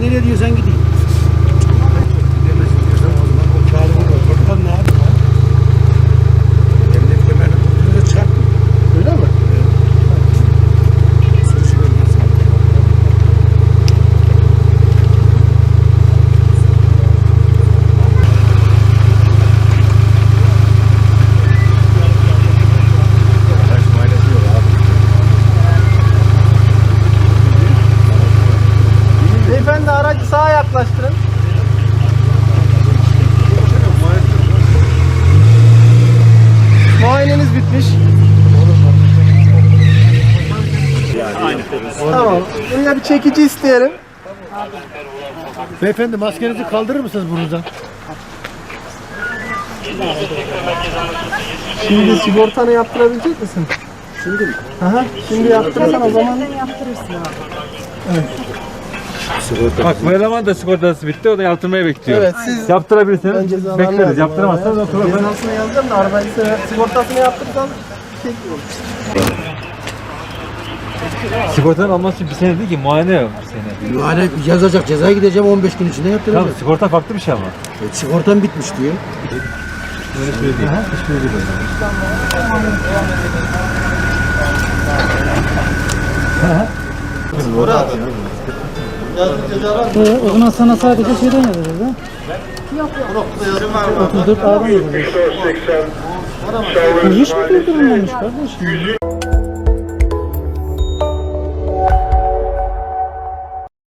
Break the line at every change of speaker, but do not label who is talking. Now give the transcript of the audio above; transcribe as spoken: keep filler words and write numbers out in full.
nereye diyorsan gideyim. Gidemezsin diyorsan o zaman o çağrı olur. Oradan ne yapayım? Emniyet kemerini tuttuğunda çarpmıyor.
Öyle mi? Beyefendi aracı sağa yaklaştırın. Muayeneniz bitmiş.
Aynen.
Tamam. Yine bir çekici isteyelim.
Beyefendi maskenizi kaldırır mısınız burnunuzdan?
Şimdi sigortanı yaptırabilecek misin? Şimdi mi? Aha, şimdi yaptırırsan o zaman
Yaptırırsın abi.
Bak bu eleman da sigortası bitti, o da yaptırmayı bekliyor.
evet siz
Yaptırabilirsiniz,
önce zararlı
bekleriz.
aldım
Yaptıramazsanız
arabaya.
oturur.
Cezasını yazacağım da arabayı sigortasını yaptırırsan şey olur.
Sigortanın alması için bir sene değil ki, muayene yok bir sene.
Yani yazacak cezaya gideceğim on beş gün içinde yaptıracağım.
Tamam, sigorta farklı bir şey ama.
E, sigortam bitmiş diyor.
Öyle şey değil. Hiçbir şey değil.
Ee, o zaman sana sadece şeyden yazacağız ha? Yok yok. otuz dört A'dan yazacağız. Bu hiç mi durdurulmamış kardeş?